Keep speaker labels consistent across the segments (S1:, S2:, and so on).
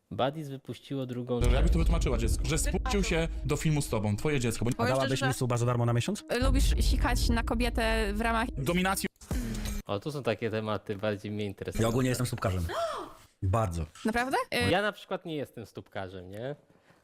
S1: Badis wypuściło drugą...
S2: Dobrze, jakbyś to wytłumaczyła dziecku, że spuścił się do filmu z tobą, twoje dziecko, bo
S3: Powiem
S4: Dałabyś
S3: szczerze,
S4: mi suba za darmo na miesiąc?
S3: lubisz sikać na kobietę w ramach...
S2: dominacji
S1: O, tu są takie tematy, bardziej mnie
S4: Ja
S1: interesują.
S4: ogólnie jestem stópkarzem. Bardzo.
S3: Naprawdę?
S1: Ja na przykład nie jestem stópkarzem, nie?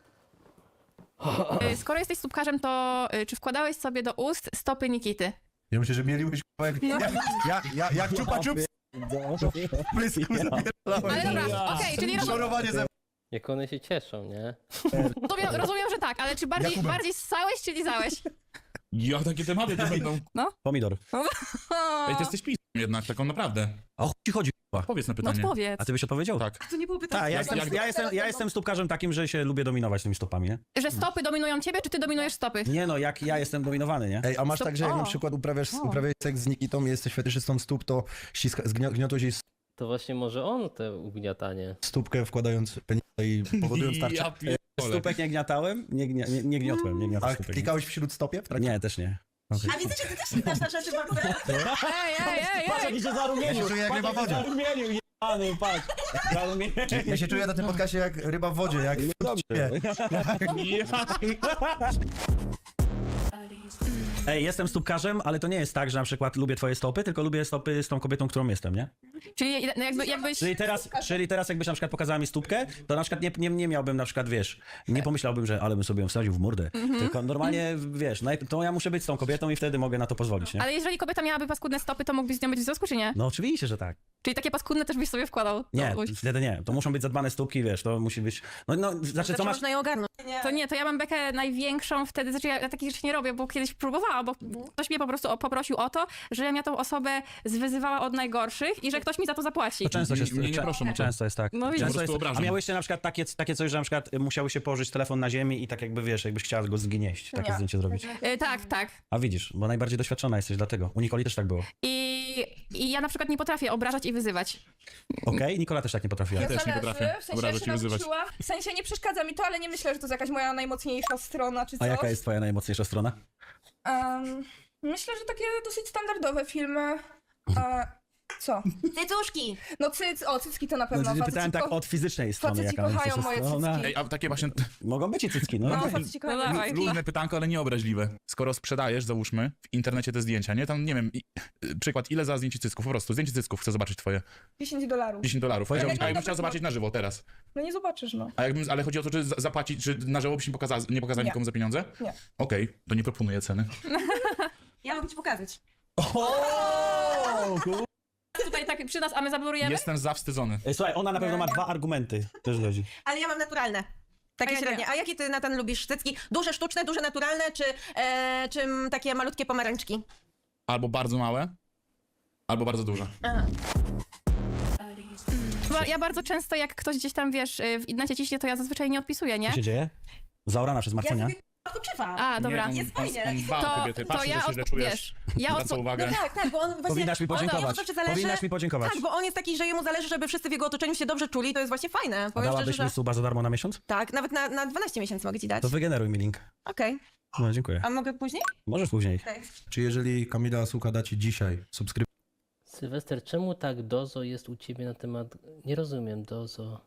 S3: Skoro jesteś stópkarzem, to czy wkładałeś sobie do ust stopy Nikity?
S5: Ja myślę, że mielibyś jak czupa czup prysku
S3: Ale dobra, okej, czyli
S5: szorowanie ze
S1: Jak one się cieszą, nie?
S3: rozumiem, że tak, ale czy bardziej ssałeś, czy lizałeś?
S2: Ja takie tematy to będą.
S4: Pomidor.
S2: Ej, ty jesteś pisem jednak, taką naprawdę.
S4: A o chuj ci chodzi, k***a?
S2: Powiedz na
S3: No
S2: pytanie.
S3: odpowiedz.
S4: A ty byś odpowiedział?
S2: Tak.
S6: To nie było pytanie.
S4: Tak, ja jestem stópkarzem takim, że się lubię dominować tymi stopami, nie?
S3: Że stopy dominują ciebie, czy ty dominujesz stopy?
S4: Nie no, jak ja jestem dominowany, nie?
S5: Ej, a masz
S3: Stop.
S5: tak, że jak
S3: O.
S5: na przykład uprawiasz seks z Nikitą i jesteś fetyszystą stóp, to gniotłeś jej
S1: To właśnie może on te ugniatanie.
S5: stópkę wkładając penisa i powodując tarczę.
S2: Ja pierdolę.
S4: Stópek nie gniatałem, nie gniotłem, nie gniotłem
S5: A
S4: stópek.
S5: klikałeś w śródstopie w trakcie?
S4: Nie, też nie.
S6: A widzę, że ty też nie dasz na rzeczy bardzo.
S3: Ej!
S4: się zarumienił!
S5: Ja się czuję jak ryba w wodzie.
S4: Zarumienił, jebany, patrz. Zarumienił.
S5: Ja się czuję na tym podcastie jak ryba w wodzie, jak
S4: Dobrze. Ej, jestem stópkarzem, ale to nie jest tak, że na przykład lubię twoje stopy, tylko lubię stopy z tą kobietą, którą jestem, nie?
S3: Czyli jakbyś...
S4: Czyli teraz jakbyś na przykład pokazała mi stópkę, to na przykład nie miałbym na przykład, wiesz, nie pomyślałbym, że ale bym sobie ją wsadził w mordę. Tylko normalnie, wiesz, to ja muszę być z tą kobietą i wtedy mogę na to pozwolić, nie?
S3: Ale jeżeli kobieta miałaby paskudne stopy, to mógłbyś z nią być w związku, czy nie?
S4: No oczywiście, że tak.
S3: Czyli takie paskudne też byś sobie wkładał?
S4: Nie,
S3: No,
S4: wtedy nie. To muszą być zadbane stópki, wiesz, to musi być... No, znaczy co masz...
S6: Można ją ogarnąć.
S3: to ja mam bekę największą wtedy, znaczy ja takich rzeczy nie robię, bo kiedyś próbowałam, bo ktoś mnie po prostu poprosił o to, żebym ja tą osobę zwyzywała od najgorszych i że ktoś mi za to zapłaci.
S4: To często się...
S2: Nie proszę o to.
S4: Często jest tak.
S3: No widzisz.
S4: Często
S2: Po prostu
S4: jest...
S2: obrażam.
S4: A miałyście na przykład takie coś, że na przykład musiały się położyć telefon na ziemi i tak jakby, wiesz, jakbyś chciała go zgnieść, takie zdjęcie zrobić.
S3: Tak.
S4: A widzisz, bo najbardziej doświadczona jesteś dlatego. U Nikoli też tak było.
S3: I ja na przykład nie potrafię obrażać i wyzywać.
S4: Okej? Nikola też tak nie potrafiła.
S2: Ja też nie potrafię
S7: w sensie
S2: obrażać
S7: się
S2: i wyzywać.
S7: nauczyła. W sensie nie przeszkadza mi to, ale nie myślę, że to jest jakaś moja najmocniejsza strona czy coś.
S4: A jaka jest twoja najmocniejsza strona?
S7: Myślę, że takie dosyć standardowe filmy. Co?
S6: Cycuszki!
S7: No cycki to na pewno.
S4: No, pytałem tak od fizycznej strony,
S7: faceci
S4: jaka
S7: kochają
S4: najmocniejsza
S7: moje
S4: strona.
S7: cycki.
S2: Ej, a takie właśnie
S4: Mogą być i cycki, no.
S7: No, faceci kochają
S3: No
S7: moje
S3: dawaj.
S7: cycki.
S2: luźne pytanko, ale nieobraźliwe. Skoro sprzedajesz, załóżmy, w internecie te zdjęcia, nie? Tam, nie wiem, przykład, ile za zdjęcie cycków? Po prostu, zdjęcie cycków chcę zobaczyć twoje.
S7: $10.
S2: $10. A
S4: Ja
S2: jakbym chciał zobaczyć na żywo teraz.
S7: No nie zobaczysz, no.
S2: Ale chodzi o to, czy zapłacić, czy na żywo byś nie pokazał
S7: Nie.
S2: nikomu za pieniądze?
S7: Nie.
S2: Okej, to nie proponuję ceny.
S6: Ja mogę ci pokazać.
S3: Tutaj tak przy nas, a my zablurujemy?
S2: Jestem zawstydzony.
S4: Ej, słuchaj, ona na pewno ma 2 argumenty. Też chodzi.
S6: Ale ja mam naturalne. Takie
S7: A ja nie.
S6: średnie. A jakie ty, Natan, lubisz cycki? Duże sztuczne, duże naturalne, czy takie malutkie pomarańczki?
S2: Albo bardzo małe, albo bardzo duże.
S3: Bo ja bardzo często, jak ktoś gdzieś tam, wiesz, w internecie ciśnie, to ja zazwyczaj nie odpisuję, nie?
S4: Co się dzieje? Zaorana przez Marconia?
S6: Odpoczywam.
S3: A, dobra.
S2: Nie,
S6: Jest fajnie.
S2: on dba o kobiety, patrzy, że się źle czujesz.
S3: wiesz, ja
S2: Zwraca uwagę.
S6: Tak, bo on właśnie...
S4: Powinnaś mi podziękować.
S6: On, zawsze zależy...
S4: Powinnaś mi podziękować.
S6: Tak, bo on jest taki, że jemu zależy, żeby wszyscy w jego otoczeniu się dobrze czuli, to jest właśnie fajne.
S4: A
S6: Powiem szczerze,
S4: dałabyś
S6: że...
S4: mi suba za darmo na miesiąc?
S6: Tak, nawet na 12 miesięcy mogę ci dać.
S4: To wygeneruj mi link.
S6: Okej.
S4: No, dziękuję.
S6: A mogę później?
S4: Możesz później.
S5: Czy jeżeli Kamila Suka da ci dzisiaj subskrypcję,
S1: Sylwester, czemu tak dozo jest u ciebie na temat... Nie rozumiem, dozo...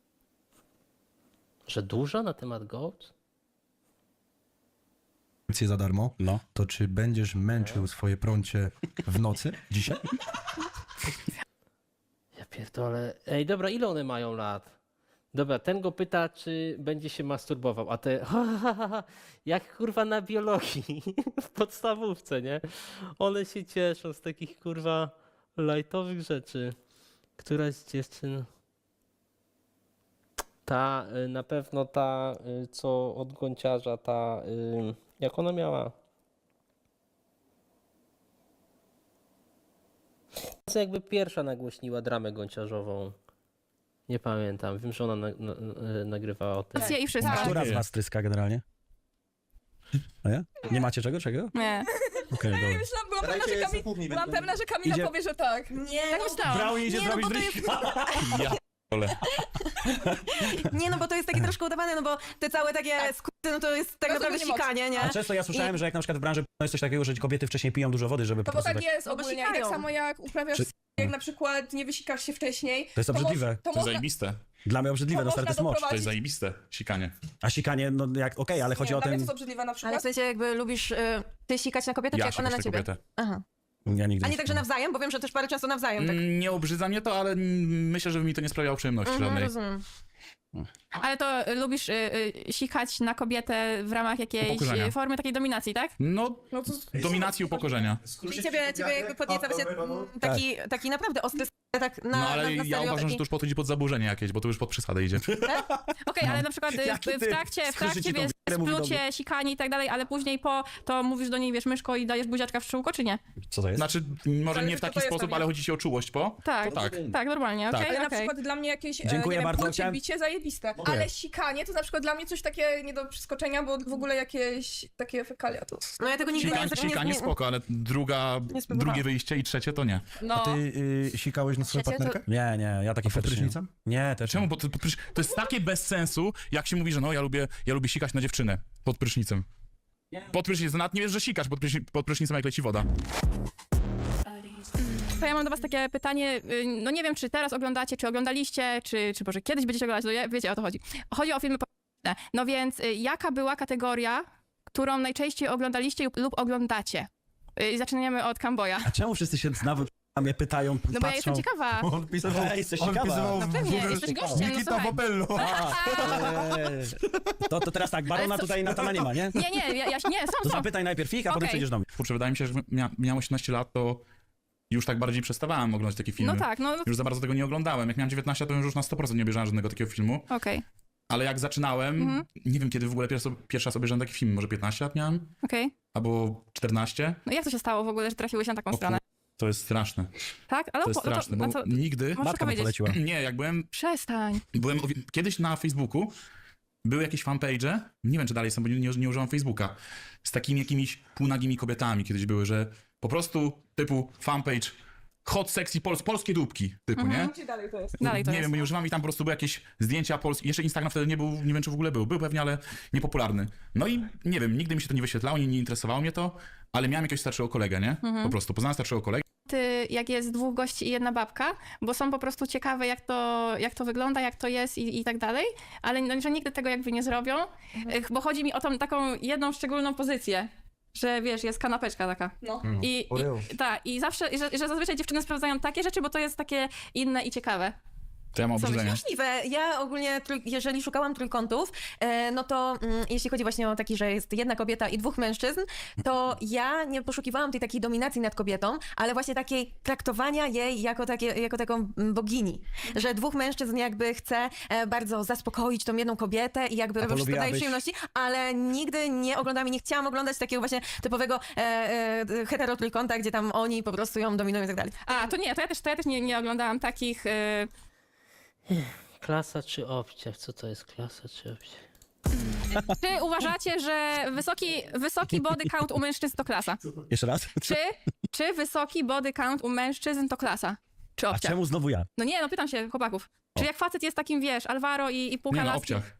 S1: Że dużo na temat Goat?
S5: za darmo,
S4: No.
S5: to czy będziesz męczył swoje prącie w nocy dzisiaj?
S1: Ja pierdolę. Ej, dobra, ile one mają lat? Dobra, ten go pyta, czy będzie się masturbował, a te jak kurwa na biologii w podstawówce, nie? One się cieszą z takich kurwa lajtowych rzeczy. Któraś z dziewczyn... Ta, na pewno ta, co od gąciarza, ta, jak ona miała? Co jakby pierwsza nagłośniła dramę gąciarzową. Nie pamiętam, wiem, że ona nagrywała o tym.
S3: Rację i wszystko.
S4: Która z was tryska generalnie? A ja? Nie macie czego?
S3: Nie.
S4: Okej, dobra.
S7: Byłam pewna, że Kamila
S4: Idzie-
S7: powie, że tak.
S6: Nie,
S3: Tak
S6: no,
S3: myślałam.
S4: Brownie idzie
S6: Nie, no
S4: zrobić
S6: bo to
S4: drinki.
S2: Ja p***ole.
S6: nie, no bo to jest takie troszkę udawane, no bo te całe takie skróty, no to jest tak
S7: Rozumiem,
S6: naprawdę
S7: nie mogę.
S6: sikanie, nie?
S4: A często ja słyszałem, że jak na przykład w branży jest coś takiego, że kobiety wcześniej piją dużo wody, żeby po
S7: No bo
S4: prostu
S7: tak jest
S6: No bo
S7: ogólnie. I
S6: sikają.
S7: tak samo jak uprawiasz
S4: Czy-
S7: jak na przykład nie wysikasz się wcześniej.
S4: To jest obrzydliwe.
S2: To jest zajebiste.
S4: Dla mnie obrzydliwe,
S7: To
S4: no stary, to jest
S7: można
S4: mocz.
S2: To
S7: doprowadzić.
S2: jest zajebiste, sikanie.
S4: A sikanie, no jak, okej, ale chodzi
S7: Nie,
S4: o
S7: dla mnie to
S4: ten...
S7: jest obrzydliwe na
S6: Ale
S7: przykład.
S6: w sensie jakby lubisz ty sikać na kobietę, czy
S2: Ja
S6: jak ona
S2: sikać
S6: na
S2: tę
S6: ciebie?
S2: kobietę.
S6: Aha.
S4: Ja nigdy
S6: A nie tak, że
S4: sikałem.
S6: nawzajem, bo wiem, że też bardzo często nawzajem. Tak.
S2: Nie obrzydza mnie to, ale myślę, że mi to nie sprawiało przyjemności żadnej.
S6: Rozumiem.
S3: Ale to lubisz sikać na kobietę w ramach jakiejś
S2: Upokorzenia.
S3: formy takiej dominacji, tak?
S2: No,
S7: No to
S2: dominacji upokorzenia.
S6: Czyli ciebie jakby podnieca właśnie taki naprawdę ostry tak na
S2: No ale
S6: na
S2: ja
S6: serio
S2: uważam,
S6: taki...
S2: że to już podchodzi pod zaburzenie jakieś, bo to już pod przesadę idzie.
S3: Okej, ale na przykład
S4: Jaki
S3: w
S4: ty
S3: trakcie
S4: skrzyczy ci tą
S3: wiesz,
S4: wierę, mówi do
S3: splucie, sikanie i tak dalej, ale później to mówisz do niej, wiesz, myszko i dajesz buziaczka w czółko, czy nie?
S4: Co to jest?
S2: Znaczy, może
S7: Zależy,
S2: nie w
S7: co
S2: taki
S7: to jest,
S2: sposób,
S7: pewnie.
S2: ale chodzi ci o czułość po?
S3: Tak,
S2: To tak.
S3: tak, normalnie,
S2: Tak.
S3: okej,
S7: Ale na
S3: okej.
S7: przykład dla mnie jakieś
S4: Dziękuję
S7: nie
S4: bardzo,
S7: wiem,
S4: chciałem-
S7: bicie zajebiste. Ale sikanie to na przykład dla mnie coś takie nie do przeskoczenia, bo w ogóle jakieś takie fekalia to...
S6: No ja tego nigdy
S2: Sikanie spoko, ale
S6: spróbowałam.
S2: drugie wyjście i trzecie to nie.
S3: No,
S5: Ty sikałeś na swoją
S6: Trzecie to-
S5: partnerkę?
S4: Nie, ja taki
S5: A pod
S4: fetysz nie.
S5: prysznicem?
S4: Nie, też
S2: Czemu?
S4: nie.
S2: Bo to jest takie bez sensu, jak się mówi, że no ja lubię sikać na dziewczynę pod prysznicem. Pod prysznicem, nawet nie wiesz, że sikasz pod prysznicem, jak leci woda.
S3: to ja mam do was takie pytanie, no nie wiem, czy teraz oglądacie, czy oglądaliście, czy może kiedyś będziecie oglądać, no wiecie, o to chodzi. Chodzi o filmy polityczne. No więc jaka była kategoria, którą najczęściej oglądaliście lub oglądacie? Zaczynamy od Kamboja.
S4: A czemu wszyscy się nawet a mnie pytają,
S3: No bo ja jestem
S4: patrzą?
S3: ciekawa.
S5: On pisował,
S4: Ej, jesteś
S5: on
S4: ciekawa.
S5: pisował
S3: No pewnie, jesteś gościem, no
S5: Nikita
S3: słuchaj.
S5: Popello.
S4: To teraz tak, Barona
S3: Ale co-
S4: tutaj Natana nie ma, nie?
S3: Nie, nie,
S4: To
S3: są.
S4: zapytaj najpierw ich, a potem
S3: Okej.
S4: przejdziesz do mnie.
S2: Kurczę, wydaje mi się, że miałem 18 lat, to już tak bardziej przestawałem oglądać takie filmy.
S3: No tak, no
S2: Już za bardzo tego nie oglądałem. Jak miałem 19, to już na 100% nie obejrzałem żadnego takiego filmu.
S3: okej,
S2: Ale jak zaczynałem, nie wiem kiedy w ogóle pierwszy raz obejrzałem taki film, może 15 lat miałem?
S3: okej.
S2: Albo 14?
S3: No jak to się stało w ogóle, że trafiłeś na taką
S2: O
S3: stronę?
S2: To jest straszne.
S3: Tak? Ale
S2: To jest straszne, bo nigdy...
S3: Możesz
S4: Matka mu
S3: powiedzieć.
S4: poleciła.
S2: Nie, jak
S3: Przestań.
S2: byłem kiedyś na Facebooku, były jakieś fanpage'e, nie wiem czy dalej są, bo nie używam Facebooka, z takimi jakimiś półnagimi kobietami kiedyś były, że po prostu typu fanpage hot sexy polskie dupki typu, nie?
S7: Gdzie dalej to jest?
S3: Dalej to
S2: nie
S3: jest.
S2: wiem, bo nie używam i tam po prostu były jakieś zdjęcia polskie. Jeszcze Instagram wtedy nie był, nie wiem czy w ogóle był pewnie, ale niepopularny. No i nie wiem, nigdy mi się to nie wyświetlało, nie interesowało mnie to, ale miałem jakiegoś starszego kolegę, nie? Po prostu poznałem starszego kolegę.
S3: Jak jest dwóch gości i jedna babka, bo są po prostu ciekawe, jak to wygląda, jak to jest i tak dalej, ale no, że nigdy tego jakby nie zrobią, bo chodzi mi o tą taką jedną szczególną pozycję, że wiesz, jest kanapeczka taka.
S7: No.
S3: I zawsze, że zazwyczaj dziewczyny sprawdzają takie rzeczy, bo to jest takie inne i ciekawe.
S2: To ja mam
S3: Co
S2: obrzydzenie.
S6: Możliwe. Ja ogólnie, jeżeli szukałam trójkątów, no to jeśli chodzi właśnie o taki, że jest jedna kobieta i dwóch mężczyzn, to ja nie poszukiwałam tej takiej dominacji nad kobietą, ale właśnie takiej traktowania jej jako taką bogini. Że dwóch mężczyzn jakby chce bardzo zaspokoić tą jedną kobietę i jakby robią wszystko daje
S4: polubiłabyś-
S6: przyjemności, ale nigdy nie oglądam i nie chciałam oglądać takiego właśnie typowego hetero trójkąta, gdzie tam oni po prostu ją dominują i tak dalej.
S3: A, to nie, to ja też nie oglądałam takich...
S1: Klasa czy obciach? Co to jest klasa czy obciach?
S3: Czy uważacie, że wysoki body count u mężczyzn to klasa?
S4: Jeszcze raz?
S3: Czy wysoki body count u mężczyzn to klasa? Czy
S4: A
S3: obciach?
S4: czemu znowu ja?
S3: No nie, no pytam się chłopaków. Czy jak facet jest takim, wiesz, Alvaro i półka
S2: Nie no,
S3: laski?
S2: obciach.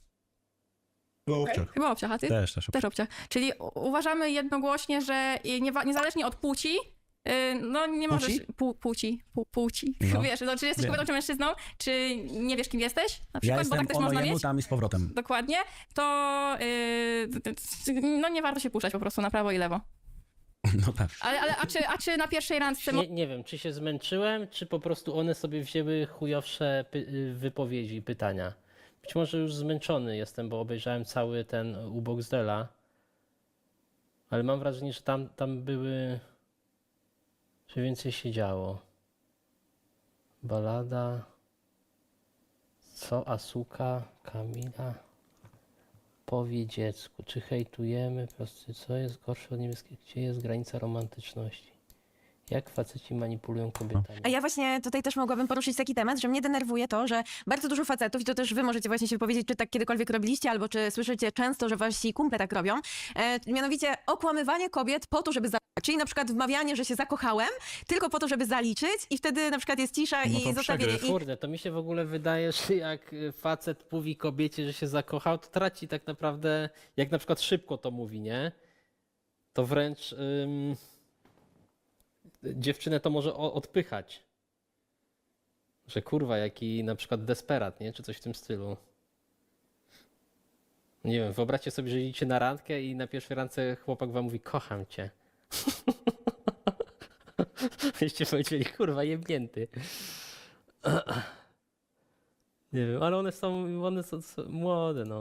S3: Chyba obciach, a ty?
S4: Też.
S3: Też obciach. Czyli uważamy jednogłośnie, że niezależnie od płci, no nie możesz... Płci.
S4: No.
S3: Wiesz, no, czy jesteś
S4: Wiem.
S3: kobietą czy mężczyzną, czy nie wiesz, kim jesteś, na
S4: Ja
S3: przykład, bo
S4: jestem
S3: tak też
S4: ono,
S3: można
S4: jemu
S3: mieć.
S4: tam i z powrotem.
S3: Dokładnie, to no nie warto się puszczać po prostu na prawo i lewo.
S4: No tak.
S3: A czy na pierwszej randce...
S1: Nie wiem, czy się zmęczyłem, czy po prostu one sobie wzięły chujowsze wypowiedzi i pytania. Być może już zmęczony jestem, bo obejrzałem cały ten u Boxdela. Ale mam wrażenie, że tam były... że więcej się działo. Balada... Co? Asuka? Kamila? Powie dziecku. Czy hejtujemy? Po prostu co jest gorsze od niebieskiego? Gdzie jest granica romantyczności? Jak faceci manipulują kobietami?
S6: A ja właśnie tutaj też mogłabym poruszyć taki temat, że mnie denerwuje to, że bardzo dużo facetów, i to też wy możecie właśnie się wypowiedzieć, czy tak kiedykolwiek robiliście, albo czy słyszycie często, że wasi kumple tak robią, mianowicie okłamywanie kobiet po to, żeby czyli na przykład wmawianie, że się zakochałem, tylko po to, żeby zaliczyć i wtedy na przykład jest cisza
S2: No
S6: i
S2: to
S6: zostawienie.
S2: przegryw.
S1: Kurde, to mi się w ogóle wydaje, że jak facet mówi kobiecie, że się zakochał, to traci tak naprawdę, jak na przykład szybko to mówi, nie? To wręcz dziewczynę to może odpychać. Że kurwa, jaki na przykład desperat, nie? Czy coś w tym stylu. Nie wiem, wyobraźcie sobie, że idziecie na randkę i na pierwszej randce chłopak wam mówi, kocham cię. Byście powiedzieli, kurwa, jebnięty. Nie wiem, ale one są młode, no.